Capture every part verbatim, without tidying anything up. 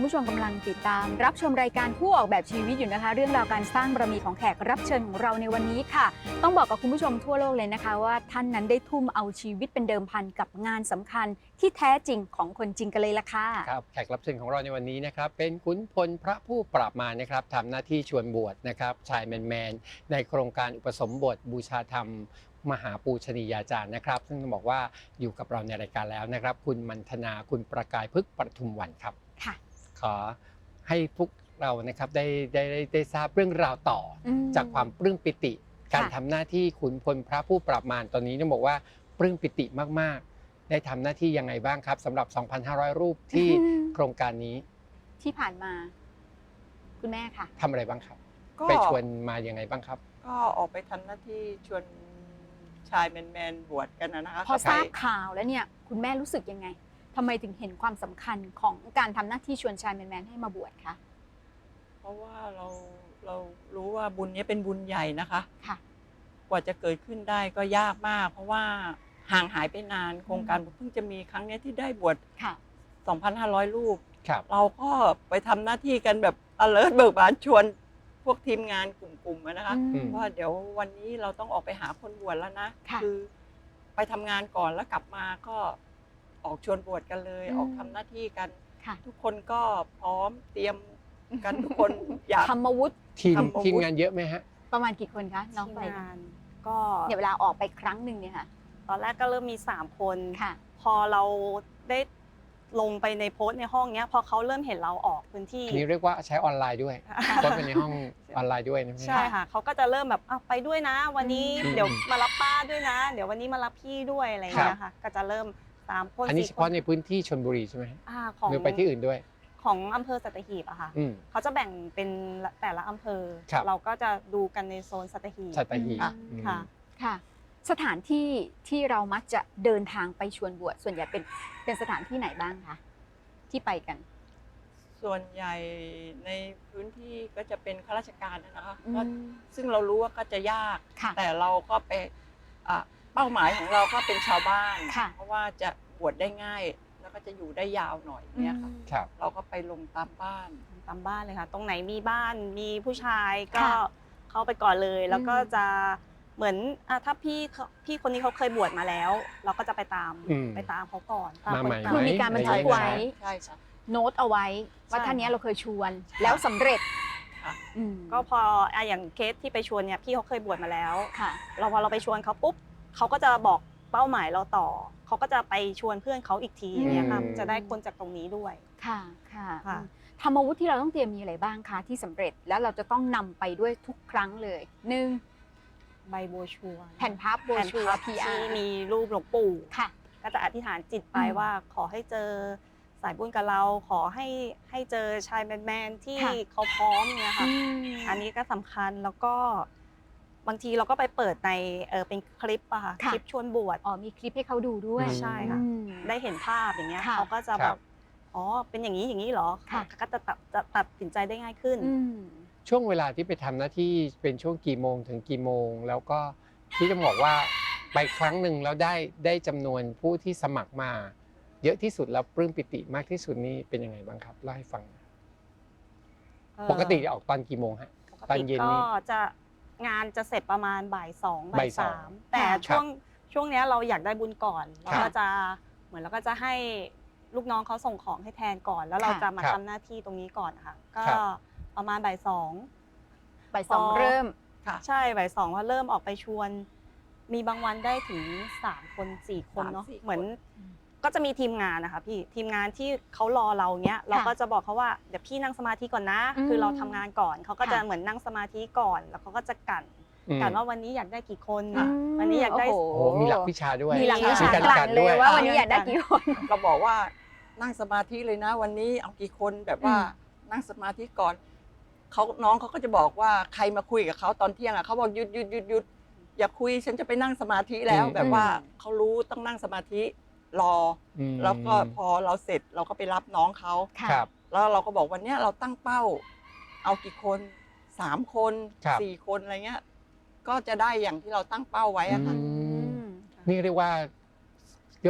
ผู้ชมกำลังติดตามรับชมรายการผู้ออกแบบชีวิตอยู่นะคะเรื่องราวการสร้างบารมีของแขกรับเชิญของเราในวันนี้ค่ะต้องบอกกับคุณผู้ชมทั่วโลกเลยนะคะว่าท่านนั้นได้ทุ่มเอาชีวิตเป็นเดิมพันกับงานสำคัญที่แท้จริงของคนจริงกันเลยล่ะค่ะครับแขกรับเชิญของเราในวันนี้นะครับเป็นขุนพลพระผู้ปราบมารนะครับทำหน้าที่ชวนบวชนะครับชายแมนๆในโครงการอุปสมบทบูชาธรรมมหาปูชนียาจารย์นะครับซึ่งต้องบอกว่าอยู่กับเราในรายการแล้วนะครับคุณมันธนาคุณประกายพฤกษ์ปทุมวันครับค่ะขอให้พวกเรานะครับได้ได้ได้ได้ทราบเรื่องราวต่อจากความปลื้มปิติการทำหน้าที่ขุนพลพระผู้ปราบมารตอนนี้ต้องบอกว่าปลื้มปิติมากๆได้ทำหน้าที่ยังไงบ้างครับสำหรับ สองพันห้าร้อย รูปที่โครงการนี้ที่ผ่านมาคุณแม่ค่ะทำอะไรบ้างครับไปชวนมายังไงบ้างครับก็ออกไปทำหน้าที่ชวนชายแมนๆบวชกันนะคะพอทราบข่าวแล้วเนี่ยคุณแม่รู้สึกยังไงทำไมถึงเห็นความสำคัญของการทำหน้าที่ชวนชายแมนๆให้มาบวชคะเพราะว่าเราเรารู้ว่าบุญนี้เป็นบุญใหญ่นะคะค่ะกว่าจะเกิดขึ้นได้ก็ยากมากเพราะว่าห่างหายไปนานโครงการเพิ่งจะมีครั้งนี้ที่ได้บวชสองพันห้าร้อย รูปเราก็ไปทำหน้าที่กันแบบ alert เบิกบานชวนพวกทีมงานกลุ่มๆนะคะว่าเดี๋ยววันนี้เราต้องออกไปหาคนบวชแล้วนะคือไปทำงานก่อนแล้วกลับมาก็ออกชวนบวชกันเลยออกทำหน้าที่กันทุกคนก็พร้อมเตรียมกันทุกคนอยากธรรมวุฒิทีมทีมงานเยอะไหมฮะประมาณกี่คนคะน้องไปงานก็เนี่ยเวลาออกไปครั้งหนึ่งเนี่ยค่ะตอนแรกก็เริ่มมีสามคนค่ะพอเราได้ลงไปในโพสต์ในห้องเนี้ยพอเขาเริ่มเห็นเราออกพื้นที่นี่เรียกว่าใช้ออนไลน์ด้วยโพสต์ไปในห้องออนไลน์ด้วยนะใช่ค่ะเขาก็จะเริ่มแบบไปด้วยนะวันนี้เดี๋ยวมารับป้าด้วยนะเดี๋ยววันนี้มารับพี่ด้วยอะไรอย่างเงี้ยค่ะก็จะเริ่มสามคนอันนี้เฉพาะในพื้นที่ชลบุรีใช่ไหมหรือไปที่อื่นด้วยของอำเภอสัตหีบอะค่ะเขาจะแบ่งเป็นแต่ละอำเภอเราก็จะดูกันในโซนสัตหีบสัตหีบค่ะค่ะสถานที่ที่เรามักจะเดินทางไปชวนบวชส่วนใหญ่เป็นเป็นสถานที่ไหนบ้างคะที่ไปกันส่วนใหญ่ในพื้นที่ก็จะเป็นข้าราชการนะคะซึ่งเรารู้ว่าก็จะยากแต่เราก็ไปเป้าหมายของเราก็เป็นชาวบ้านเพราะว่าจะบวชได้ง่ายแล้วก็จะอยู่ได้ยาวหน่อยเนี่ยค่ะเราก็ไปลงตามบ้านตามบ้านเลยค่ะตรงไหนมีบ้านมีผู้ชายก็เข้าไปก่อนเลยแล้วก็จะเหมือนถ้าพี่พี่คนนี้เขาเคยบวชมาแล้วเราก็จะไปตามไปตามเขาก่อนคือมีการบันทึกไว้ใช่ใช่โน้ตเอาไว้ว่าท่านนี้เราเคยชวนแล้วสำเร็จก็พออย่างเคสที่ไปชวนเนี่ยพี่เขาเคยบวชมาแล้วเราพอเราไปชวนเขาปุ๊บเขาก็จะบอกเป้าหมายเราต่อเขาก็จะไปชวนเพื่อนเขาอีกทีเนี่ยค่ะจะได้คนจากตรงนี้ด้วยค่ะค่ะธรรมวุฒิที่เราต้องเตรียมมีอะไรบ้างคะที่สำเร็จแล้วเราจะต้องนำไปด้วยทุกครั้งเลยหนึ่งใบโบชัวแผ่นพับโบชัวที่มีรูปหลวงปู่ค่ะก็จะอธิษฐานจิตไปว่าขอให้เจอสายบุญกับเราขอให้ให้เจอชายแมนๆที่เขาพร้อมเนี่ยค่ะอันนี้ก็สำคัญแล้วก็บางทีเราก็ไปเปิดในเออเป็นคลิปอะค่ะคลิปชวนบวชอ๋อมีคลิปให้เขาดูด้วยใช่ค่ะได้เห็นภาพอย่างเงี้ยเขาก็จะแบบอ๋อเป็นอย่างนี้อย่างนี้เหรอก็จะจะตัดสินใจได้ง่ายขึ้นช่วงเวลาที่ไปทำหน้าที่เป็นช่วงกี่โมงถึงกี่โมงแล้วก็ที่จะบอกว่าไปครั้งหนึ่งแล้วได้ได้จำนวนผู้ที่สมัครมาเยอะที่สุดแล้วปลื้มปิติมากที่สุดนี่เป็นยังไงบ้างครับเล่าให้ฟังปกติจะออกตอนกี่โมงฮะตอนเย็นนี่ก็จะงานจะเสร็จประมาณบ่ายสองบ่ายสามแต่ช่วงช่วงนี้เราอยากได้บุญก่อนเราก็จะเหมือนเราก็จะให้ลูกน้องเขาส่งของให้แทนก่อนแล้วเราจะมาทำหน้าที่ตรงนี้ก่อนนะคะก็ประมาณบ่ายสองบ่ายสองเริ่มใช่บ่ายสองว่าเริ่มออกไปชวนมีบางวันได้ถึงสามคนสี่คนเนาะเหมือนก็จะมีทีมงานนะคะพี่ทีมงานที่เขารอเราเนี้ยเราก็จะบอกเขาว่าเดี๋ยวพี่นั่งสมาธิก่อนนะคือเราทำงานก่อนเขาก็จะเหมือนนั่งสมาธิก่อนแล้วเขาก็จะกั่นกั่นว่าวันนี้อยากได้กี่คนวันนี้อยากได้โอ้โหมีหลักวิชาด้วยมีหลักวิชากั่นเลยว่าวันนี้อยากได้กี่คนเราบอกว่านั่งสมาธิเลยนะวันนี้เอากี่คนแบบว่านั่งสมาธิก่อนเขาน้องเขาก็จะบอกว่าใครมาคุยกับเขาตอนเที่ยงอ่ะเขาบอกหยุดหยุดหยุดหยุดอย่าคุยฉันจะไปนั่งสมาธิแล้วแบบว่าเขารู้ต้องนั่งสมาธิรอแล้วก็พอเราเสร็จเราก็ไปรับน้องเขาแล้วเราก็บอกวันนี้เราตั้งเป้าเอากี่คนสามคนสี่คนอะไรเงี้ยก็จะได้อย่างที่เราตั้งเป้าไว้อะค่ะนี่เรียกว่าเรียกว่า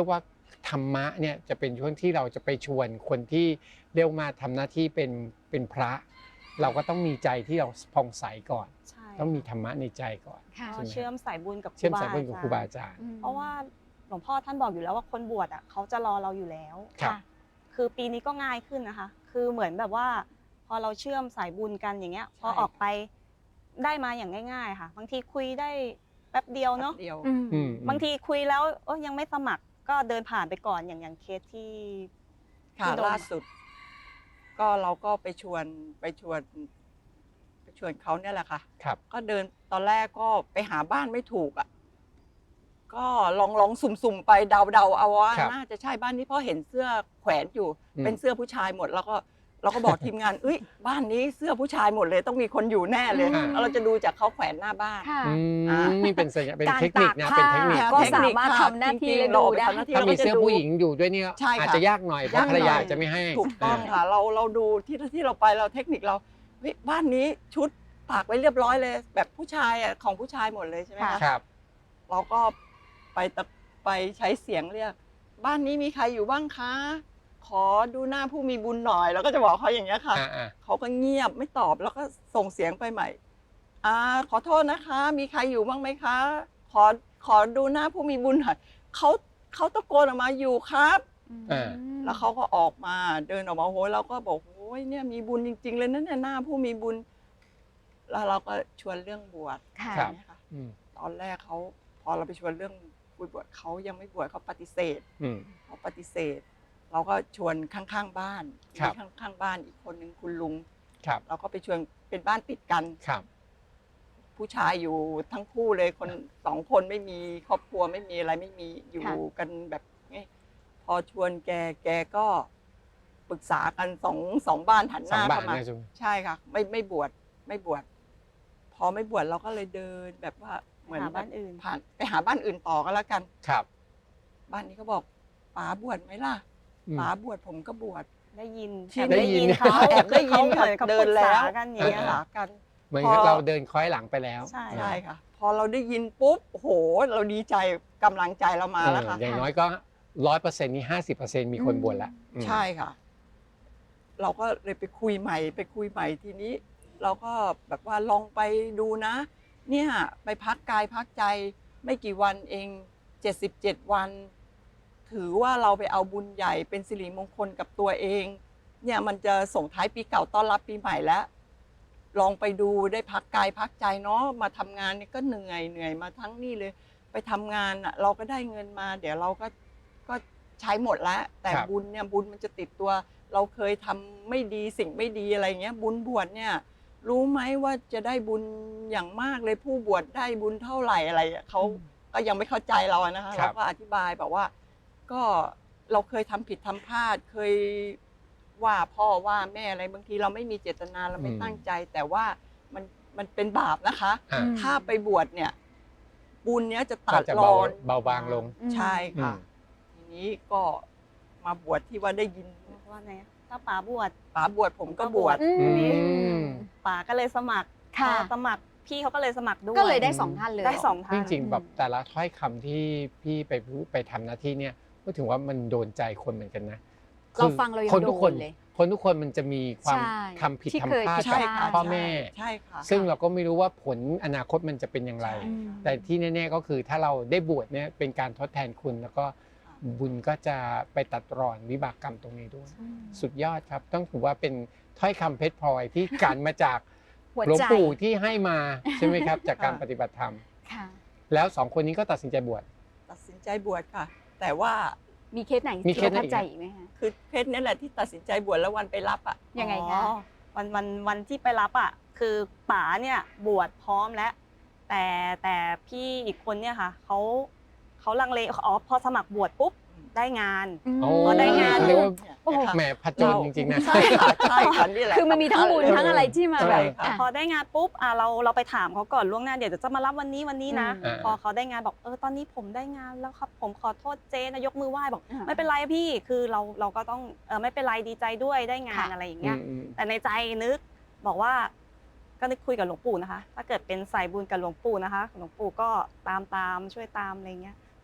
ธรรมะเนี่ยจะเป็นช่วงที่เราจะไปชวนคนที่เรียกมาทำหน้าที่เป็นเป็นพระ เราก็ต้องมีใจที่เราผ่องใสก่อนใช่ต้องมีธรรมะในใจก่อนค่ะใช่ไหมเชื่อมสายบุญกับเชื่อมสายบุญกับครูบาอาจารย์เพราะว่าหลวงพ่อท่านบอกอยู่แล้วว่าคนบวชอ่ะเขาจะรอเราอยู่แล้วครับคือปีนี้ก็ง่ายขึ้นนะคะ คือเหมือนแบบว่า พอเราเชื่อมสายบุญกันอย่างเงี้ย พอออกไปได้มาอย่างง่ายๆค่ะ บางทีคุยได้แป๊บเดียวเนาะเดียวอืมอืมบางทีคุยแล้วเอ้ยยังไม่สมัครก็เดินผ่านไปก่อนอย่างอย่างเคสที่ค่ะที่โดนล่าสุด ก็เราก็ไปชวนไปชวน ไปชวนเขาเนี่ยแหละค่ะครับก็เดินตอนแรกก็ไปหาบ้านไม่ถูกอ่ะก็ลองลองสุ่มๆไปเดาๆเอาว่าครับน่าจะใช่บ้านนี้เพราะเห็นเสื้อแขวนอยู่อืมเป็นเสื้อผู้ชายหมด แล้วก็เราก็บอกทีมงานเอ้ยบ้านนี้เสื้อผู้ชายหมดเลยต้องมีคนอยู่แน่เลยอ่าแล้วเราจะดูจากเขาแขวนหน้าบ้านค่ะอือ่ามนี่เป็นสัญญาเป็นการเทคนิคนะตากเป็นผ้าเทคนิคก็เทคนิคสามารถค่ะทำหน้าที่จริงๆและเราดูไปได้ทำหน้าที่ถ้ามีรก็จะเสื้อผู้หญิงอยู่ด้วยเนี่ยใช่ค่ะอาจจะยากหน่อยเพยากราะหน่ภรอยรยาจะไม่ให้ถูกต้องค่ะเราเราดูที่ที่เราไปเราเทคนิคเราเฮ้ยบ้านนี้ชุดตากไว้เรียบร้อยเลย แบบผู้ชายอ่ะของผู้ชายหมดเลยใช่ไหมค่ะคะครับเราก็ไปตะไปใช้เสียงเรียกบ้านนี้มีใครอยู่บ้างคะ ขอดูหน้าผู้มีบุญหน่อยแล้วก็จะบอกเขาอย่างเงี้ยค่ะอ่าอ่าเขาก็เงียบไม่ตอบแล้วก็ส่งเสียงไปใหม่อ่าขอโทษนะคะ มีใครอยู่บ้างไหมคะ ขอขอดูหน้าผู้มีบุญหน่อยเขาเขาตะโกนออกมาอยู่ครับอ่าแล้วเขาก็ออกมาเดินออกมาโอ้ยเราก็บอกโอ้ยเนี่ยมีบุญจริง ๆ เลยนะเนี่ยหน้าผู้มีบุญ แล้วเราก็ชวนเรื่องบวชค่ะครับเนี่ยค่ะอืมตอนแรกเขาพอเราไปชวนเรื่องบวชเขายังไม่บวชเขาปฏิเสธอืมเขาปฏิเสธ เราก็ชวนข้างๆบ้านครับมีข้างๆบ้านอีกคนหนึ่งคุณลุงครับเราก็ไปชวนเป็นบ้านติดกันครับผู้ชายอยู่ทั้งคู่เลยคนสองคนไม่มีครอบครัวไม่มีอะไรไม่มีอยู่ค่ะกันแบบนี้พอชวนแกแกก็ปรึกษากันสองสองบ้านหันหสองน้าบาทเข้ามานะจุงใช่ค่ะ ไม่ไม่บวชไม่บวชพอไม่บวชเราก็เลยเดินแบบว่าเหมือนหาแบบ้าบนอื่นผ่านไปหาบ้านอื่นต่อก็แล้วกันครับบ้านนี้ก็บอกป๋าบวชไหมล่ะอืมป๋าบวชผมก็บวชได้ยินที่แอบได้ได้ยิยินนเขาแอบได้ยินเขาเหมือนเขาเดิปนรึกแล้ษาว กันอย่างปรึเงี้กยษาค่ะกันเหมือนพอเราเดินคล้อยหลังไปแล้วใช่ใช่ค่ะ พอเราได้ยินปุ๊บโอ้โห เราดีใจกำลังใจเรามาแล้วค่ะเอออย่างน้อยก็ร้อยเปอร์เซ็นต์นี่ห้าสิบเปอร์เซ็นต์มีคนบวชแล้วอืมใช่ค่ะ เราก็เลยไปคุยใหม่ ไปคุยใหม่ทีนี้ เราก็แบบว่าลองไปดูนะ เนี่ยไปพักกายพักใจไม่กี่วันเองเจ็ดสิบเจ็ดวัน ถือว่าเราไปเอาบุญใหญ่เป็นสิริมงคลกับตัวเอง เนี่ยมันจะส่งท้ายปีเก่าต้อนรับปีใหม่แล้ว ลองไปดูได้พักกายพักใจเนาะมาทำงานนี่ก็เหนื่อยเหนื่อยมาทั้งนี่เลย ไปทำงานอ่ะเราก็ได้เงินมา เดี๋ยวเราก็ก็ใช้หมดแล้ว แต่ครับบุญเนี่ยบุญมันจะติดตัว เราเคยทำไม่ดีสิ่งไม่ดีอะไรเงี้ย บุญบวชเนี่ย รู้ไหมว่าจะได้บุญอย่างมากเลยผู้บวชได้บุญเท่าไหร่อะไรอะเขาก็ยังไม่เข้าใจเราอะนะคะครัเราบก็อธิบายแบบว่า ก็เราเคยทำผิดทำพลาดเคยว่าพ่อว่าแม่อะไรบางทีเราไม่มีเจตนาเราไม่ตั้งใจ แต่ว่ามันมันเป็นบาปนะคะอ่าถ้าไปบวชเนี่ย บุญเนี้ยจะตัก็ดจะรเบาอนเบาบางลงอืมใช่ค่ะอืมทีนี้ก็มาบวชที่ว่าได้ยินว่าไงถ้าป๋าบวชป๋าบวชผมก็บวชอือืมมป๋าก็เลยสมัครค่ะพอสมัครพี่เขาก็เลยสมัครด้วยก็เลยได้สองท่านเลยได้สองท่านจริงๆแบบแต่ละถ้อยคำที่พี่ไปพูดไปทำหน้าที่เนี่ยก็ถือว่ามันโดนใจคนเหมือนกันนะเราฟังเรายังคนทุกคนโดนเลยคนทุกคนมันจะมีความใช่ทำผิดที่ทำเคยพลาดผิดกับพลาดพ่อแม่ใช่ค่ะซึ่งเราก็ไม่รู้ว่าผลอนาคตมันจะเป็นอย่างไรอืมแต่ที่แน่ๆก็คือถ้าเราได้บวชเนี่ยเป็นการทดแทนคุณ แล้วก็บุญก็จะไปตัดรอนวิบากกรรมตรงนี้ด้วย สุดยอดครับ ต้องถือว่าเป็นถ้อยคำเพชรพลอยที่กันมาจากหัวหลวงใจปู่ที่ให้มาใช่ไหมครับ จากการค่ะปฏิบัติธรรมค่ะแล้วสองคนนี้ก็ตัดสินใจบวชตัดสินใจบวชค่ะ แต่ว่ามีเคสไหนมีที่เคปสระไหนทับใจอีกไหมคะคือเพชรนี่แหละที่ตัดสินใจบวชแล้ววันไปรับอ่ะยังไงคะอ๋อวันวันวันที่ไปรับอ่ะคือป๋าเนี่ยบวชพร้อมแล้ว แต่แต่พี่อีกคนเนี่ยค่ะเขาเขาลังเลอ๋อพอสมัครบวชปุ๊บได้งานโอ้พอได้งานเรียกว่าเนี่ยโอ้โหแหมผจญจริงๆนะใช่ค่ะใช่ค่ะนี่แหละคือมันมีทั้งบุญสำญเลยทั้งอะไรที่มาแบบใช่ค่ะอ่ะพอได้งานปุ๊บอ่ะเราเราไปถามเขาก่อนล่วงหน้าเดี๋ยวจะมารับวันนี้วันนี้นะอืมพอเขาได้งานบอกเออตอนนี้ผมได้งานแล้วครับ ผมขอโทษเจ๊นะยกมือไหว้บอกอ่าไม่เป็นไรพี่คือเราเราก็ต้องเออไม่เป็นไรดีใจด้วยได้งานค่ะอะไรอย่างเงี้ยอืมแต่ในใจนึกบอกว่าก็นึกคุยกับหลวงปู่นะคะ ถ้าเกิดเป็นสายบุญกับหลวงปู่นะคะหลวงปู่ก็ตามตามช่วยตามอะไรเงี้ยหล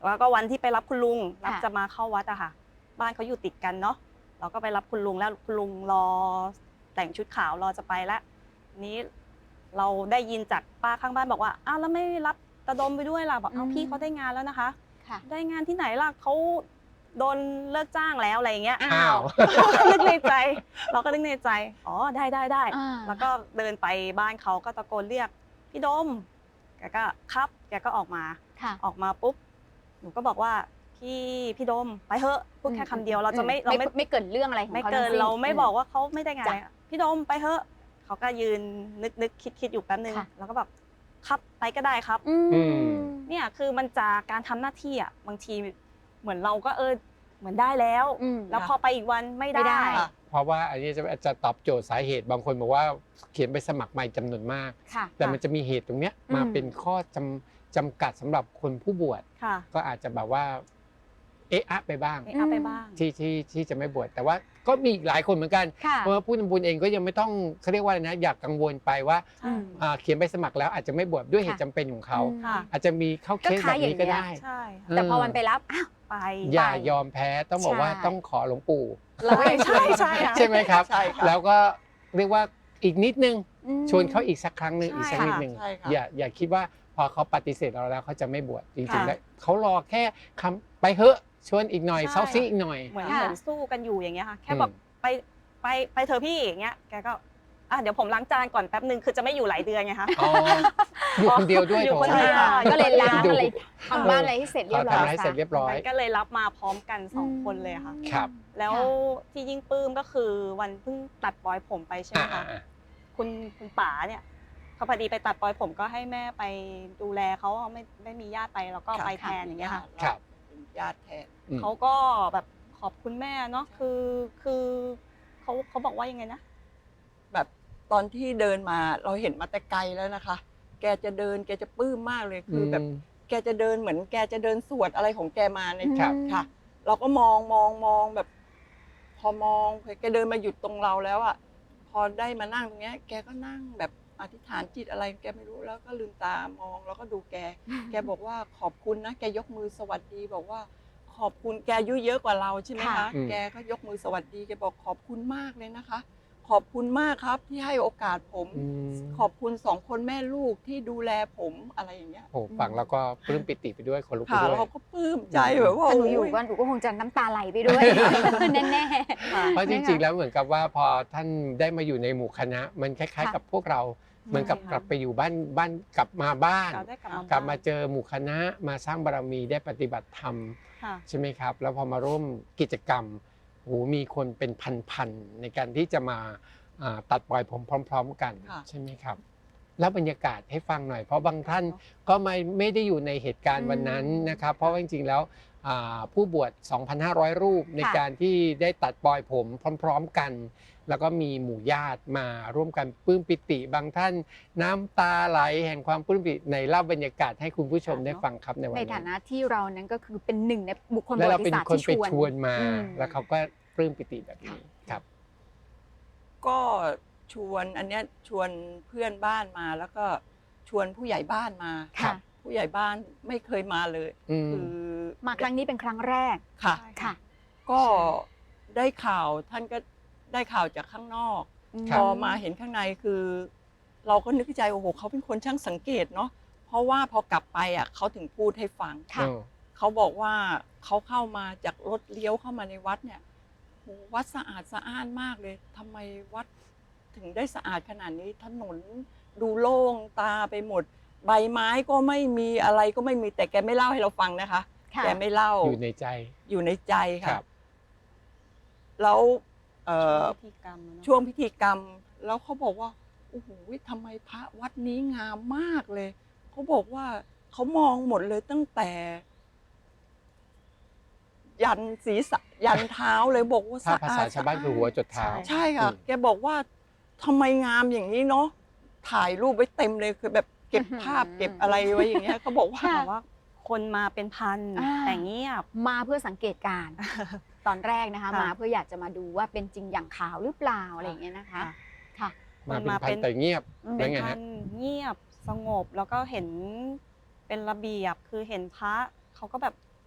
แล้วก็วันที่ไปรับคุณลุงรับค่ะจะมาเข้าวัดอะค่ะ บ้านเขาอยู่ติดกันเนาะเราก็ไปรับคุณลุงแล้วคุณลุงรอแต่งชุดขาวรอจะไปแล้วนี้เราได้ยินจากป้าข้างบ้านบอกว่าอ้าวแล้วไม่รับตาดมไปด้วยล่ะบอกเอาอืมพี่เขาได้งานแล้วนะคะค่ะได้งานที่ไหนล่ะเขาโดนเลิกจ้างแล้วอะไรอย่างเงี้ยอ้าวนึกในใจ เราก็นึกในใจอ๋อได้ได้ได้อ่าแล้วก็เดินไปบ้านเขาก็ตะโกนเรียกพี่ดมแกก็ครับแกก็ออกมาค่ะออกมาปุ๊บหนูก็บอกว่าพี่พี่ดมไปเถอะพูดแค่คำเดียวเราจะไม่อืเราไม่ไม่เกิดเรื่องอะไรของไม่เขาเกินทั้งสิ้นเราไม่บอกว่าเขาไม่ได้งานจ้ะอะไรพี่ดมไปเถอะเขาก็ยืนนึกนึกคิดคิดอยู่แป๊บนึงค่ะแล้วก็แบบครับไปก็ได้ครับอืมอืมเนี่ยคือมันจะการทำหน้าที่อ่ะบางทีเหมือนเราก็เออเหมือนได้แล้วอืมแล้วพอไปอีกวันไม่ไม่ได้ได้ค่ะเพราะว่าอันนี้จะจะตอบโจทย์สาเหตุบางคนบอกว่าเขียนไปสมัครใหม่จำนวนมากค่ะแต่มันจะมีเหตุตรงเนี้ยอืมมาเป็นข้อจำจำกัดสำหรับคนผู้บวชค่ะก็อาจจะแบบว่าเอะอะไปบ้างเอะเอาไปบ้างที่ที่ที่จะไม่บวชแต่ว่าก็มีอีกหลายคนเหมือนกันค่ะเพราะว่าผู้ทำบุญเองก็ยังไม่ต้องเขาเรียกว่าอะไรนะอยากกังวลไปว่าใช่อ่าเขียนใบสมัครแล้วอาจจะไม่บวชด้วยเหตุค่ะจำเป็นของเขาอืมค่ะอาจจะมีเข้าเคสก็แบค้าบอย่างนี้ก็เงี้ยได้ใช่แต่พอมันไปรับอ้าวไปอย่าไปยอมแพ้ต้องบอกว่าใช่ต้องขอหลวงปู่เราก็ยังใช่ใช่ค่ะใช่ไหมครับใช่ค่ะแล้วก็เรียกว่าอีกนิดนึงอืมชวนเขาอีกสักครั้งหนึ่งใช่อีกสักนิดหนึ่งใช่ค่ะอย่าอย่าคิดว่าพอเขาปฏิเสธเราแล้วเขาจะไม่บวชจริงๆค่ะแล้วเขารอแค่คำไปเถอะชวนอีกหน่อยใช่เซาซีอีกหน่อยเหมือนค่ะเหมือนสู้กันอยู่อย่างเงี้ยค่ะแค่อืมบอกไปไปไปเธอะพี่อย่างเงี้ยแกก็อ่ะเดี๋ยวผมล้างจานก่อนแป๊บนึงคือจะไม่อยู่หลายเดือนไงคะอ๋ออยู่คนเดียวด้วยอยู่โถคนเดียวอ่าก็เลยล้างดูอะไรทำบ้านอะไรให้เสร็จเรียบร้อยทำให้เสร็จเรียบร้อยมันก็เลยรับมาพร้อมกันสองอืมคนเลยค่ะครับแล้วค่ะที่ยิ่งปลื้มก็คือวันเพิ่งตัดปลอยผมไปใช่ไหมอ่าคะอ่าคุณคุณป๋าเนี่ยเขาพอดีไปตัดปลอยผมก็ให้แม่ไปดูแลเขาไม่ไม่มีญาติไปแล้วก็ไปแทนอย่างเงี้ยค่ะครับเป็นญาติแทนอืมเขาก็แบบขอบคุณแม่เนาะคือคือเขาเขาบอกว่ายังไงนะแบบตอนที่เดินมาเราเห็นมาแต่ไกลแล้วนะคะ แกจะเดินแกจะปลื้มมากเลยคือแบบ แกจะเดินเหมือนแกจะเดินสวดอะไรของแกมาในครับค่ะ เราก็มองมองมองแบบ พอมองแกเดินมาหยุดตรงเราแล้วอ่ะพอได้มานั่งตรงเนี้ย แกก็นั่งแบบอธิษฐานจิตอะไรแกไม่รู้แล้วก็ลืมตามองแล้วก็ดูแก แกบอกว่าขอบคุณนะแกยกมือสวัสดี บอกว่าขอบคุณแกอายุเยอะกว่าเราใช่ไหมค่ะคะอืมแกก็ยกมือสวัสดีแกบอกขอบคุณมากเลยนะคะ ขอบคุณมากครับที่ให้โอกาสผมอืมขอบคุณสองคนแม่ลูกที่ดูแลผมอะไรอย่างเงี้ยโอ้ฟังแล้วก็ปลื้มปิติไปด้วยคนลุกไปค่ะด้วยเราก็ปลื้มใจแบบว่าถ้าหนูอยู่โก็หนูก็คงจะน้ำตาไหลไปด้วย แน่เพราะจริงๆ แล้วเหมือนกับว่าพอท่านได้มาอยู่ในหมู่คณะ มันคล้ายค่ะๆ กับพวกเรา เหมือนกับใช่ค่ะกลับไปอยู่บ้านบ้านกลับมาบ้านเราได้กลับมากลับมาเจอหมู่คณะมาสร้างบารมีได้ปฏิบัติธรรมค่ะใช่ไหมครับ แล้วพอมาร่วมกิจกรรมโหมีคนเป็นพันๆในการที่จะมาอ่าตัดปล่อยผมพร้อม ๆ กันค่ะใช่ไหมครับ แล้วบรรยากาศให้ฟังหน่อย เพราะบางท่านก็ไม่ไม่ได้อยู่ในเหตุการณ์วันนั้นนะครับ เพราะว่าจริงๆแล้วอ่าผู้บวช สองพันห้าร้อย รูปในการที่ได้ตัดปล่อยผมพร้อม ๆ กัน แล้วก็มีหมู่ญาติมาร่วมกันปลื้มปิติ บางท่านน้ำตาไหลแห่งความปลื้มปิติในเล่าบรรยากาศให้คุณผู้ชมได้ฟังครับในวันในนั้นฐานะที่เรานั้นก็คือเป็นหนึ่งในบุคคลปแล้วระเราวัติเป็นศาสตร์คนที่ไปชวนชวนมาอืมแล้วเขาก็ปลื้มปิติแบบนี้ครับก็ชวนอันเนี้ยชวนเพื่อนบ้านมาแล้วก็ชวนผู้ใหญ่บ้านมาค่ะผู้ใหญ่บ้านไม่เคยมาเลยอืมคือมาครั้งนี้เป็นครั้งแรกค่ะค่ะก็ได้ข่าวท่านก็ได้ข่าวจากข้างนอกคพรับอมาเห็นข้างในคือ เราก็นึกในใจโอ้โหเขาเป็นคนช่างสังเกตเนาะเพราะว่าพอกลับไปอ่ะเขาถึงพูดให้ฟังค่ะเออเขาบอกว่าเขาเข้ามาจากรถเลี้ยวเข้ามาในวัดเนี่ยโหวัดสะอาดสะอ้านมากเลยทำไมวัดถึงได้สะอาดขนาดนี้ถนนดูโล่งตาไปหมด ใบไม้ก็ไม่มีอะไรก็ไม่มีแต่แกไม่เล่าให้เราฟังนะคะค่ะแกไม่เล่าอยู่ในใจอยู่ในใจครัค่ะบแล้วเอ่อพิธีกรรมอะเนอะช่วงพิธีกรรม แล้วเขาบอกว่าโอ้โหทำไมพระวัดนี้งามมากเลยเขาบอกว่าเขามองหมดเลยตั้งแต่ ยันศีรษะยันเท้าเลยบอกว่าถ้าสะภาอาษาดชาวบ้านคือหัวจดเท้าใช่ค่ะอืมแกบอกว่าทำไมงามอย่างนี้เนาะถ่ายรูปไว้เต็มเลยคือแบบเก็บอื้อหือภาพเก็บอะไรไว้อย่างเงี้ยเขาบอกว่าค่ะแต่ว่าคนมาเป็นพันอ่าแต่เงียบมาเพื่อสังเกตการณ์ตอนแรกนะคะค่ะมาเพื่ออยากจะมาดูว่าเป็นจริงอย่างข่าวหรือเปล่าอะไรอย่างเงี้ยนะคะ ค่ะมาเป็นมาพัเป็น นแต่เงียบอืมแล้เป็วน ไงพัฮะนเงียบสงบแล้วก็เห็นเป็นระเบียบคือเห็นพระเขาก็แบบ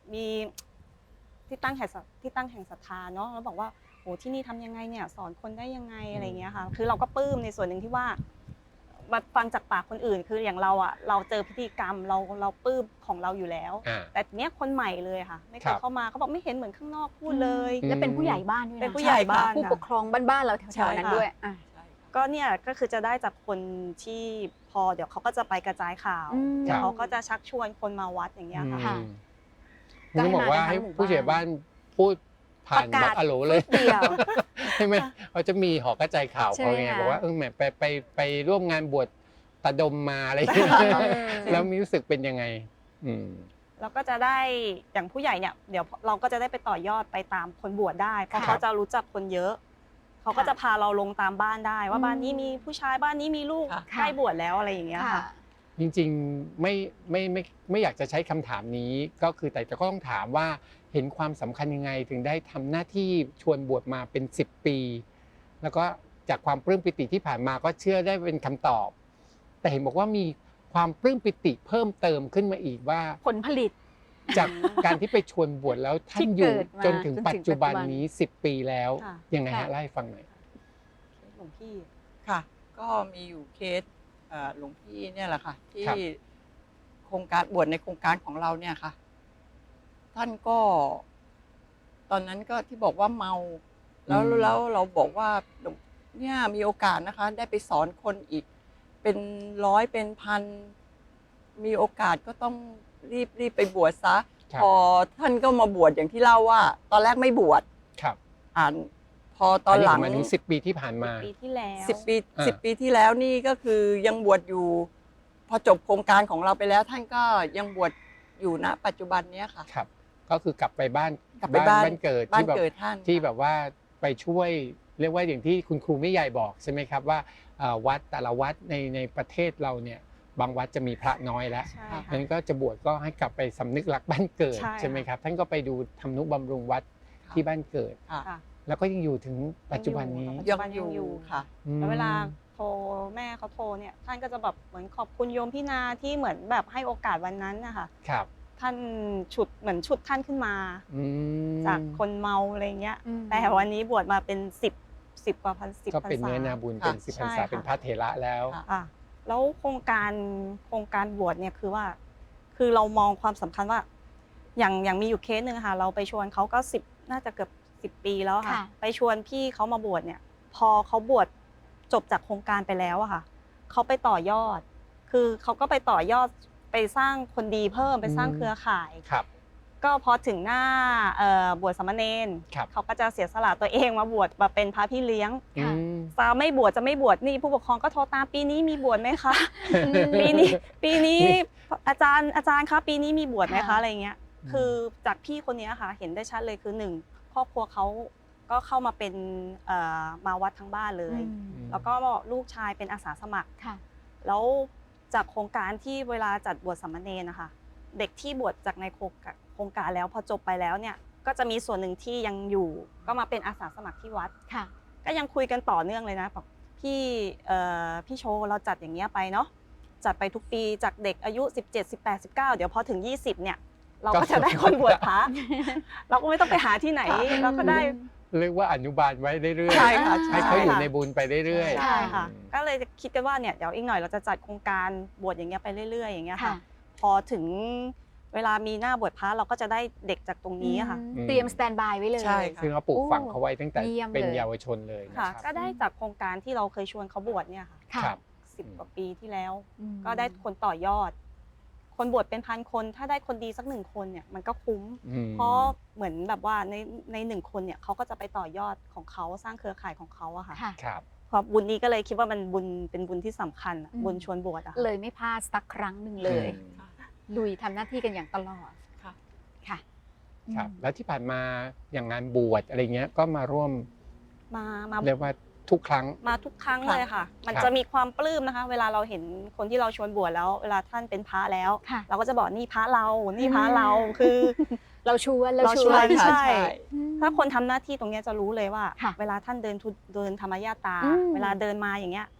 มีที่ตั้งแห่งที่ตั้งแห่งศรัทธาเนาะแล้วบอกว่าโอ้ที่นี่ทำยังไงเนี่ยสอนคนได้ยังไงอะไรเงี้ยค่ะคือเราก็ปลื้มในส่วนหนึ่งที่ว่ามาฟังจากปากคนอื่นคืออย่างเราอ่ะเราเจอพิธีกรรมเราเราปลื้มของเราอยู่แล้ว แต่เนี้ยคนใหม่เลยค่ะไม่เคยเข้ามาเขาบอกไม่เห็นเหมือนข้างนอกพูดเลยและเป็นผู้ใหญ่บ้านด้วยนะเป็นผู้ใหญ่บ้านผู้ปกครองบ้านๆเราแถวๆนั้นด้วยอ่ะก็เนี่ยก็คือจะได้จากคนที่พอเดี๋ยวเขาก็จะไปกระจายข่าวอืมเดี๋ยวเขาก็จะชักชวนคนมาวัดอย่างเงี้ยค่ะค่ะอืมต้องบอกว่าให้ผู้ใหญ่บ้านพูดผ่านประบกาล็อศกอะโหลเลยเดียวใช่ไหมเขาจะมีหอกระจายข่าวใช่เขาไหมไงคะบอกว่าเออแหมไปไปไปร่วมงานบวชตาดมมาอะไรอย่างเงี้ยแล้วมีรู้สึกเป็นยังไงอืมเราก็จะได้อย่างผู้ใหญ่เนี่ยเดี๋ยวเราก็จะได้ไปต่อยอดไปตามคนบวชได้เพราะค่ะเขาจะรู้จักคนเยอะเขาก็ค่ะจะพาเราลงตามบ้านได้ ว่าอืมบ้านนี้มีผู้ชายบ้านนี้มีลูกค่ะใกล้บวชแล้วอะไรอย่างเงี้ยค่ะค่ะจริงๆไม่ไม่ไม่ไม่อยากจะใช้คำถามนี้ก็คือแต่ก็ต้องถามว่าเห็นความสำคัญยังไงถึงได้ทำหน้าที่ชวนบวชมาเป็นสิบปี แล้วก็จากความปลื้มปิติที่ผ่านมาก็เชื่อได้เป็นคำตอบ แต่เห็นบอกว่ามีความปลื้มปิติเพิ่มเติมขึ้นมาอีกว่าผลผลิตจากการที่ไปชวนบวชแล้วท่านอยู่ที่เกิดมาจนถึงจนถึงปัจจุบันปัจจุบันนี้สิบปีแล้วค่ะยังไงค่ะฮะเล่าให้ฟังหน่อยหลวงพี่ค่ะ ก็มีอยู่เคสเอ่อหลวงพี่เนี่ยแหละค่ะ ที่ครับโครงการบวชในโครงการของเราเนี่ยค่ะ ท่านก็ ตอนนั้นก็ที่บอกว่าเมา แล้วอืมแล้วเราบอกว่าเนี่ยมีโอกาสนะคะ ได้ไปสอนคนอีก เป็นร้อยเป็นพัน มีโอกาสก็ต้องรีบรีบไปบวชซะครับพอท่านก็มาบวชอย่างที่เล่าว่า ตอนแรกไม่บวชครับอ่านพอตอนหลังหมายถึงสิบปีที่ผ่านมาปีที่แล้วสิบปีอ่าสิบปีที่แล้วนี่ก็คือยังบวชอยู่ พอจบโครงการของเราไปแล้ว ท่านก็ยังบวชอยู่ณปัจจุบันเนี้ยค่ะครับ ก็คือกลับไปบ้านกลับไปบ้านบ้านเกิดบ้านที่แบบเกิดท่านที่แบบว่าไปช่วยเรียกว่าอย่างที่คุณครูไม่ใหญ่บอกใช่ไหมครับว่าเอ่อวัดแต่ละวัดในในประเทศเราเนี่ยบางวัดจะมีพระน้อยแล้วใช่เพราะค่ะฉะนั้นก็จะบวชก็ให้กลับไปสำนึกรักบ้านเกิดใช่ใช่ไหมครับท่านก็ไปดูทำนุบำรุงวัดที่บ้านเกิดค่ะค่ะแล้วก็ยังอยู่ถึงปัจจุบันนี้ยัยังงออยู่ยู่ค่ะอืมแล้วเวลาโทรแม่เขาโทรเนี่ยท่านก็จะแบบเหมือนขอบคุณโยมพี่นาที่เหมือนแบบให้โอกาสวันนั้นนะคะครับท่านฉุดเหมือนฉุดท่านขึ้นมาอืมจากคนเมาอะไรเงี้ยอืมแต่วันนี้บวชมาเป็นสิบสิบกว่าพันสิบก็พรรษาเป็นเนื้อนาบุญเป็นค่ะสิบพรรษาใช่ค่ะเป็นพระเถระแล้วค่ะอ่ะแล้วโครงการโครงการบวชเนี่ยคือว่า คือเรามองความสำคัญว่า อย่างอย่างมีอยู่เคสหนึ่งค่ะ เราไปชวนเขาก็สิบน่าจะเกือบสิบปีแล้วค่ะค่ะไปชวนพี่เขามาบวชเนี่ย พอเขาบวชจบจากโครงการไปแล้วอะค่ะเขาไปต่อยอด คือเขาก็ไปต่อยอดไปสร้างคนดีเพิ่มไปสร้างอืมเครือข่ายครับก็พอถึงหน้าเอ่อบวชสามเณรครับเขาก็จะเสียสละตัวเองมาบวชมาเป็นพระพี่เลี้ยงอืมจะไม่บวชจะไม่บวชนี่ผู้ปกครองก็โทรตามปีนี้มีบวชไหมคะ ปีนี้ปีนี้อาจารย์อาจารย์คะปีนี้มีบวชไหมคะค่ะอะไรเงี้ย คือจากพี่คนนี้ค่ะ เห็นได้ชัดเลยคือหนึ่งครอบครัวเขาก็เข้ามาเป็นเอ่อมาวัดทั้งบ้านเลยอืมแล้วก็ลูกชายเป็นอาสาสมัครค่ะแล้วจากโครงการที่เวลาจัดบวชสามเณรนะคะเด็กที่บวชจากในโครงการโครงการแล้วพอจบไปแล้วเนี่ยก็จะมีส่วนหนึ่งที่ยังอยู่ก็มาเป็นอาสาสมัครที่วัดค่ะก็ยังคุยกันต่อเนื่องเลยนะบอกพี่เอ่อพี่โชว์เราจัดอย่างเงี้ยไปเนาะจัดไปทุกปีจากเด็กอายุสิบเจ็ด สิบแปด สิบเก้าเดี๋ยวพอถึงยี่สิบเนี่ยเราก็จะได้คนบวชพระ เราก็ไม่ต้องไปหาที่ไหนเราก็ได้เรียกว่าอนุบาลไว้เรื่อยใช่ค่ะๆให้เขาอยู่ในบุญไปเรื่อยๆใช่ค่ะอืมก็เลยคิดกันว่าเนี่ยเดี๋ยวอีกหน่อยเราจะจัดโครงการบวชอย่างเงี้ยไปเรื่อยๆอย่างเงี้ยค่ะค่ะพอถึงเวลามีหน้าบวชพระเราก็จะได้เด็กจากตรงนี้ค่ะอืมเตรียมสแตนบายไว้เลยใช่ค่ะซึ่งเราปลูกฝังเขาไว้ตั้งแต่เยี่ยมเลยเป็นเยาวชนเลยนะค่ะครับก็ได้จากโครงการที่เราเคยชวนเขาบวชเนี่ยค่ะค่ะครับสิบกว่าปีที่แล้วอืมก็ได้คนต่อยอด คนบวชเป็นพันคนถ้าได้คนดีสักหนึ่งคนเนี่ยมันก็คุ้มอืมเพราะเหมือนแบบว่าในในหนึ่งคนเนี่ยเขาก็จะไปต่อยอดของเขาสร้างเครือข่ายของเขาอะค่ะค่ะครับเพราะบุญนี้ก็เลยคิดว่ามันบุญเป็นบุญที่สำคัญอะอืมบุญชวนบวชอะค่ะเลยไม่พลาดสักครั้งหนึ่งเลยอืมลุยทำหน้าที่กันอย่างตลอดค่ะค่ะครับอืมแล้วที่ผ่านมาอย่างงานบวชอะไรเงี้ยก็มาร่วมมามาเรียกว่าทุกครั้งมาทุกครั้งเลยค่ะ มันครับจะมีความปลื้มนะคะ เวลาเราเห็นคนที่เราชวนบวชแล้ว เวลาท่านเป็นพระแล้วค่ะเราก็จะบอกนี่พระเรา นี่พระเรา คือเราชวนเราเราชชววน นค่ะใช่อืมถ้าคนทำหน้าที่ตรงเนี้ยจะรู้เลยว่าค่ะเวลาท่านเดินทุเดินธรรมญาตราอืมเวลาเดินมาอย่างเงี้ย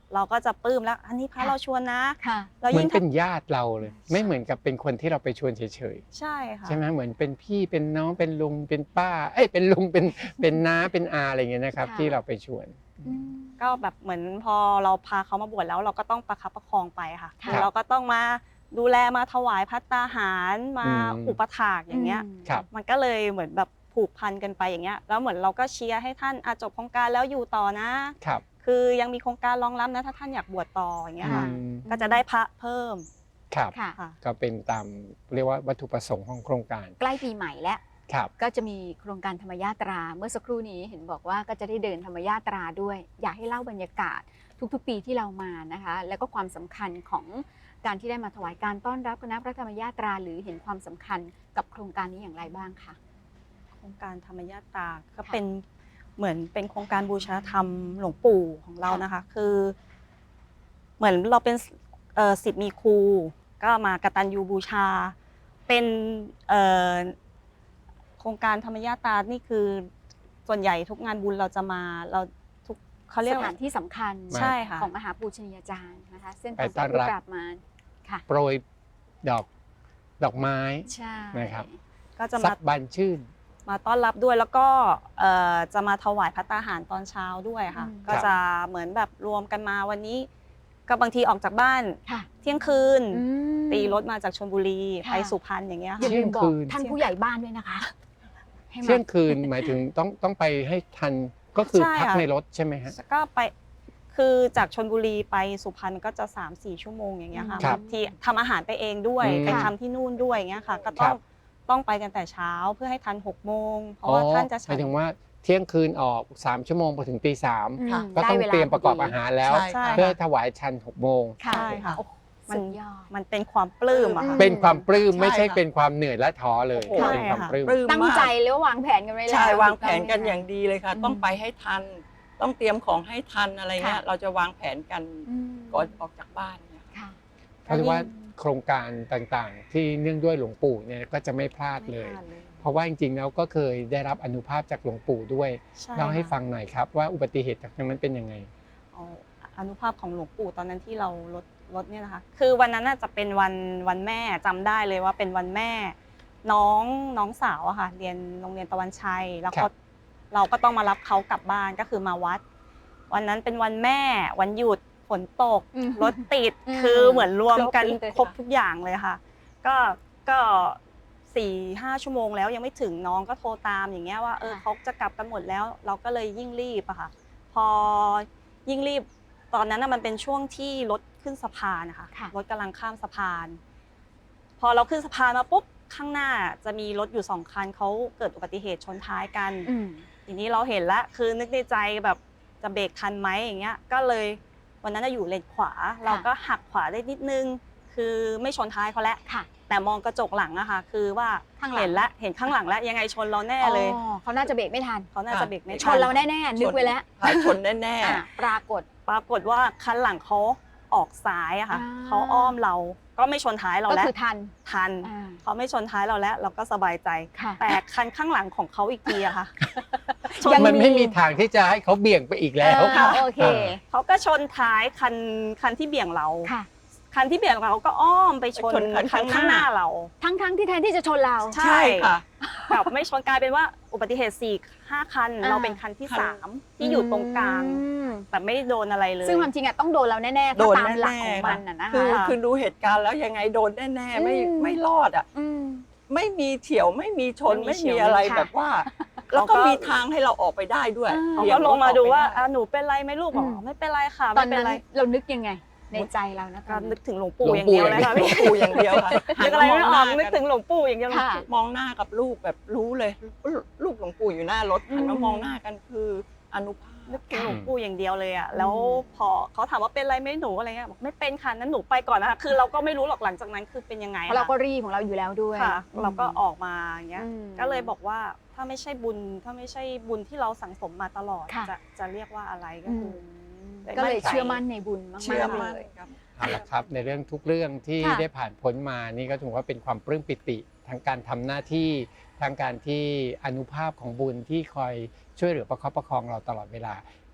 เราก็จะปลื้มแล้วอันนี้พระค่ะเราชวนนะค่ะแล้วเหมือยิ่นงเป็นญาติเราเลย ไม่เหมือนกับเป็นคนที่เราไปชวนเฉยใช่ค่ะๆใช่ไหมเหมือนเป็นพี่เป็นน้องเป็นลุงเป็นป้าเอ้ยเป็นลุงเป็นเป็นน้าเป็นอาอะไรเงี้ยนะครับค่ะที่เราไปชวนอืมก็แบบเหมือนพอเราพาเขามาบวชแล้วเราก็ต้องประคับประคองไปค่ะค่ะคือเราก็ต้องมาดูแลมาถวายภัตตาหารมาอืมอุปถากอย่างเงี้ยอืมครับมันก็เลยเหมือนแบบผูกพันกันไปอย่างเงี้ยแล้วเหมือนเราก็เชียร์ให้ท่านอาจบโครงการแล้วอยู่ต่อนะครับคือยังมีโครงการรองรับนะถ้าท่านอยากบวชต่ออย่างเงี้ยค่ะอืมก็จะได้พระเพิ่มครับค่ะค่ะก็เป็นตามเรียกว่าวัตถุประสงค์ของโครงการใกล้ปีใหม่แล้วครับก็จะมีโครงการธรรมยาตรา เมื่อสักครู่นี้เห็นบอกว่าก็จะได้เดินธรรมยาตราด้วย อยากให้เล่าบรรยากาศทุกๆปีที่เรามานะคะ แล้วก็ความสำคัญของการที่ได้มาถวายการต้อนรับคณะพระธรรมยาตรา หรือเห็นความสำคัญกับโครงการนี้อย่างไรบ้างคะโครงการธรรมยาตราก็ค่ะเป็นเหมือนเป็นโครงการบูชาธรรมหลวงปู่ของเรานะคะ คือ เหมือนเราเป็นเอ่อศิษย์มีครูก็มากตัญญูบูชา เป็นเอ่อโครงการธรรมยาตรานี่คือส่วนใหญ่ทุกงานบุญเราจะมาเราทุกเขาเรียกสว่าถานที่สำคัญใช่ค่ะของมหาปูชนียาจารย์นะคะ เส้นไปทางต้อนรับสายผู้ปราบมารค่ะโปรยดอกดอกไม้ใช่นะครับก็จะสัมากบานชื่นมาต้อนรับด้วยแล้วก็เอ่อจะมาถวายภัตตาหารตอนเช้าด้วยค่ะ ก็จะเหมือนแบบรวมกันมาวันนี้ ก็บางทีออกจากบ้านค่ะเที่ยงคืนอืมตีรถมาจากชลบุรีค่ะไปสุพรรณอย่างเงี้ยอย่าค่ะลืมบอเที่กยงคืนท่านผู้ใหญ่บ้านด้วยนะคะให้มาเที่ยงคืนหมายถึงต้องต้องไปให้ทันก็คือใช่พักค่ะในรถใช่ไหมฮะแล้วก็ไปคือจากชลบุรีไปสุพรรณก็จะ สามสี่ ชั่วโมงอย่างเงี้ยค่ะครับบางทีทำอาหารไปเองด้วยอืมไปทำที่นู่นด้วยอย่างเงี้ยค่ะ ก็คต้รัองบต้องไปกันแต่เช้าเพื่อให้ทันหกโมงเพราะว่าท่านจะหฉัมาน ยถึงว่าเที่ยงคืนออกสามชั่วโมงไปถึงตีสามอืมค่ะก็ต้องได้วลาเตรียมประกอบพดีอาหารแล้วใช่ใช่เพื่อค่ะถวายชันหกโมงค่ะใช่ค่ะโอ้โหมันสุดยอดมันเป็นความปลื้มอะค่ะอืมเป็นความปลื้มใช่ไม่ใช่ค่ะเป็นความเหนื่อยและท้อเลยโอ้โหเป็นความปลื้มปลื้มตั้งมากใจแล้ววางแผนกันไว้แล้วใช่วางแผนกันถูต้ไหมคะอย่างดีเลยค่ะอืมต้องไปให้ทัน ต้องเตรียมของให้ทันอะไรเงี้ยค่ะเราจะวางแผนกันอืมก่อนออกจากบ้านเนี่ยค่ะเพราะว่าโครงการต่างๆ ที่เนื่องด้วยหลวงปู่เนี่ยก็จะไม่พลาดเลยไม่พลาดเลยเพราะว่าจริงๆแล้วก็เคยได้รับอนุภาพจากหลวงปู่ด้วยใช่เล่าให้ค่ะฟังหน่อยครับว่าอุบัติเหตุจากนั้นเป็นยังไงอ๋ออนุภาพของหลวงปู่ตอนนั้นที่เราลดลดเนี่ยนะคะ คือวันนั้นน่าจะเป็นวันวันแม่จำได้เลยว่าเป็นวันแม่ น้องน้องสาวอะค่ะเรียนโรงเรียนตะวันชัยแล้วครัเขาบเราก็ต้องมารับเขากลับบ้านก็คือมาวัด วันนั้นเป็นวันแม่วันหยุดฝนตกอืมรถติดอืมคือเหมือนรวมกันครบเลยค่ะครบทุกอย่างเลยค่ะ ก็ก็สี่ห้าชั่วโมงแล้วยังไม่ถึงน้องก็โทรตามอย่างเงี้ยว่าเออเขาจะกลับกันหมดแล้ว เราก็เลยยิ่งรีบอะค่ะ พอยิ่งรีบตอนนั้นน่ะมันเป็นช่วงที่รถขึ้นสะพานนะคะค่ะรถกำลังข้ามสะพาน พอเราขึ้นสะพานมาปุ๊บข้างหน้าจะมีรถอยู่สองคันเขาเกิดอุบัติเหตุชนท้ายกันอืมทีนี้เราเห็นแล้วคือนึกในใจแบบจะเบรกทันไหมอย่างเงี้ยก็เลยวันนั้นจะอยู่เลนขวา เราก็หักขวาได้นิดนึง คือไม่ชนท้ายเขาแล้วค่ะแต่มองกระจกหลังอะค่ะ คือว่าข้างหลังเห็นแล้วเห็นข้างหลังแล้วยังไงชนเราแน่เลยอ๋อเขาน่าจะเบรกไม่ทันเขาน่าจะเบรกไม่ชทันเราแน่ๆนึกไว้แล้วค่ะชนแน่อ่ะปรากฏปรากฏว่าคันหลังเขาออกซ้ายอะค่ะอ่าเขาอ้อมเราก็ไม่ชนท้ายเราก็แล้วคือทันทันอ่าเขาไม่ชนท้ายเราแล้ว เราก็สบายใจค่ะแต่คันข้างหลังของเขาอีกทีอะค่ะยังมันไม่มีทางที่จะให้เขาเบี่ยงไปอีกแล้วอ่าโอเคเขาก็ชนท้ายคันคันที่เบี่ยงเราค่ะคันที่เบี่ยงเราก็อ้อมไปชนไปชนคันคันข้างหน้าข้างหน้าเราทั้งๆที่แทนที่จะชนเราๆ ใช่ค่ะกับไม่ชนกลายเป็นว่าอุบัติเหตุสี่ห้าคันอ่าเราเป็นคันที่คันสามที่อยู่ตรงกลางอืมแต่ไม่โดนอะไรเลยซึ่งความจริงอะต้องโดนเราแน่ๆโดถ้าน ตามหลักแน่ของๆมันน่ะนะคือคะคือดูเหตุการณ์แล้วยังไงโดนแน่ๆไม่อืมไม่รอดอ่ะอืมไม่มีเฉียวไม่มีชนไม่ไม่มีเฉีมียวอะไรค่ะแบบว่า แล้วก็เขาก็มีทางให้เราออกไปได้ด้วยอ่าเขาบี่ยก็รถลงมาดูว่าออกไปอ่ะหนูเป็นไรไหมลูกบอกอืมไม่เป็นไรค่ะตอไม่นเป็นนั้นไรเรานึกยังไงในใจเรานะตก็อนนึนั้นกถึงหลวงปู่หลวงอย่างปู่เดียวเลยค่ะหลวงปู่อย่างเดียวค่ะนึกอะไรไม่ออกหันึกถึงหลวงปู่อย่างเดียวเลยค่ะมองหน้ากับลูกแบบรู้เลย ลูกหลวงปู่อยู่หน้ารถหันอืมาม มองหน้ากันคืออนุภาพนึกถึงหลวงปู่อย่างเดียวเลยอ่ะแล้วพอเขาถามว่าเป็นไรไหมหนูอะไรเงี้ยบอกไม่เป็นค่ะนั้นหนูไปก่อนนะคะคือเราก็ไม่รู้หรอกหลังจากนั้นคือเป็นยังไงเพราะเราก็ค่ะรีบของเราอยู่แล้วด้วยค่ะ เราก็ออกมาอย่างเงี้ยอืมก็เลยบอกว่าถ้าไม่ใช่บุญถ้าไม่ใช่บุญที่เราสั่งสมมาตลอดค่ะจะจะเรียกว่าอะไรก็อืคือมอก็เลยมั่นใจเชื่อมั่นในบุญมากๆเชื่อมั่นเลยครับเอาละครับในเรื่องทุกเรื่องที่ค่ะได้ผ่านพ้นมานี่ก็ถือว่าเป็นความปลื้มปิติทั้งการทำหน้าที่ทั้งการที่อนุภาพของบุญที่คอยช่วยเหลือประคับประคองเราตลอดเวลา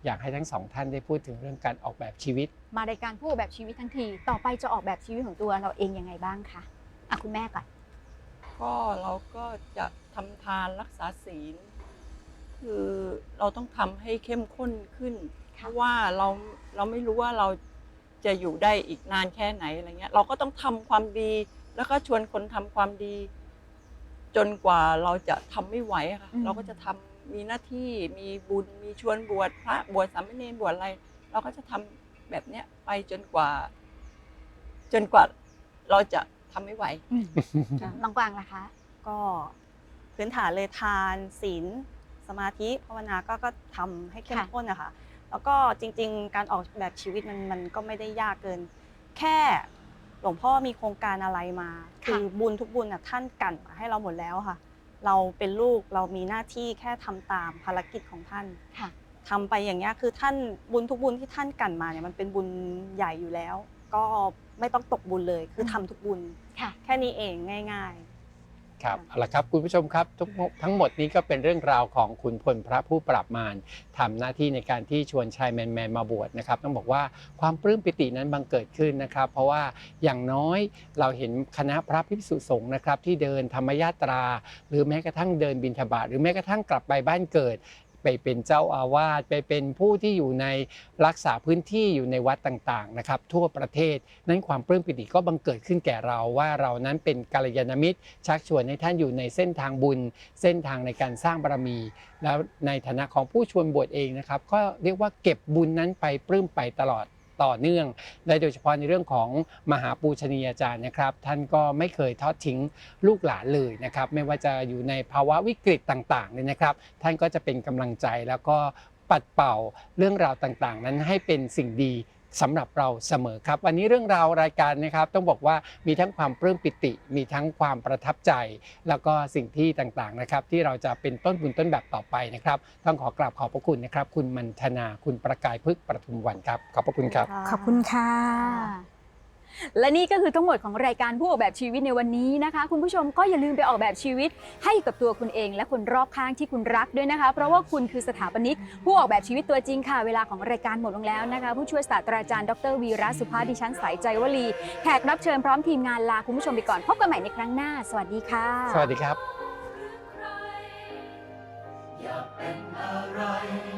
อยากให้ทั้งสองท่านได้พูดถึงเรื่องการออกแบบชีวิตมารายการผู้ออกแบบชีวิตทั้งทีต่อไปจะออกแบบชีวิตของตัวเราเองยังไงบ้างคะอ่ะคุณแม่ก่อนก็เราก็จะทำทานรักษาศีลคือเราต้องทำให้เข้มข้นขึ้นเพราะว่าเราเราไม่รู้ว่าเราจะอยู่ได้อีกนานแค่ไหนอะไรเงี้ยเราก็ต้องทำความดีแล้วก็ชวนคนทำความดี จนกว่าเราจะทำไม่ไหวค่ะเราก็จะทำมีหน้าที่มีบุญมีชวนบวชพระบวชสามเณรบวชอะไรเราก็จะทำแบบเนี้ยไปจนกว่า จนกว่าเราจะทำไม่ไหวน้องกวางล่ะคะก็พื้นฐานเลยทานศีลสมาธิภาวนาก็ก็ทำให้เข้มข้นนะคะแล้วก็จริงๆการออกแบบชีวิตมันมันก็ไม่ได้ยากเกินแค่หลวงพ่อมีโครงการอะไรมาคือบุญทุกบุญน่ะท่านกั่นมาให้เราหมดแล้วค่ะเราเป็นลูกเรามีหน้าที่แค่ทำตามภารกิจของท่านทำไปอย่างเงี้ยคือท่านบุญทุกบุญที่ท่านกั่นมาเนี่ยมันเป็นบุญใหญ่อยู่แล้วก็ไม่ต้องตกบุญเลยคือทำทุกบุญแค่นี้เองง่ายๆครับเอาละครับคุณผู้ชมครับทุกทั้งหมดนี้ก็เป็นเรื่องราวของขุนพลพระผู้ปราบมารทำหน้าที่ในการที่ชวนชายแมนๆมาบวชนะครับต้องบอกว่าความปลื้มปิตินั้นบังเกิดขึ้นนะครับเพราะว่าอย่างน้อยเราเห็นคณะพระภิกษุสงฆ์นะครับที่เดินธรรมยาตราหรือแม้กระทั่งเดินบิณฑบาตหรือแม้กระทั่งกลับไปบ้านเกิดไปเป็นเจ้าอาวาสไปเป็นผู้ที่อยู่ในรักษาพื้นที่อยู่ในวัดต่างๆนะครับทั่วประเทศนั้นความปลื้มปิติก็บังเกิดขึ้นแก่เราว่าเรานั้นเป็นกัลยาณมิตรชักชวนให้ท่านอยู่ในเส้นทางบุญเส้นทางในการสร้างบารมีแล้วในฐานะของผู้ชวนบวชเองนะครับก็เรียกว่าเก็บบุญนั้นไปปลื้มไปตลอดต่อเนื่องและโดยเฉพาะในเรื่องของมหาปูชนียาจารย์นะครับท่านก็ไม่เคยทอดทิ้งลูกหลานเลยนะครับไม่ว่าจะอยู่ในภาวะวิกฤตต่างๆเนี่ยนะครับท่านก็จะเป็นกำลังใจแล้วก็ปัดเป่าเรื่องราวต่างๆนั้นให้เป็นสิ่งดีสำหรับเราเสมอครับวันนี้เรื่องราวรายการนะครับต้องบอกว่ามีทั้งความปลื้มปิติมีทั้งความประทับใจแล้วก็สิ่งที่ต่างๆนะครับที่เราจะเป็นต้นบุญต้นแบบต่อไปนะครับต้องขอกราบขอบพระคุณนะครับคุณมัณฑนาคุณประกายพฤกษ์ประทุมวันครับขอบพระคุณครับขอบคุณค่ะและนี่ก็คือทั้งหมดของรายการผู้ออกแบบชีวิตในวันนี้นะคะคุณผู้ชมก็อย่าลืมไปออกแบบชีวิตให้กับตัวคุณเองและคนรอบข้างที่คุณรักด้วยนะคะเพราะว่าคุณคือสถาปนิกผู้ออกแบบชีวิตตัวจริงค่ะเวลาของรายการหมดลงแล้วนะคะผู้ช่วยศาสตราจารย์ดรวีระสุภาดิฉันสายใจวลีแขกรับเชิญพร้อมทีมงานลาคุณผู้ชมไปก่อนพบกันใหม่ในครั้งหน้าสวัสดีค่ะสวัสดีครับอยากเป็นอะไร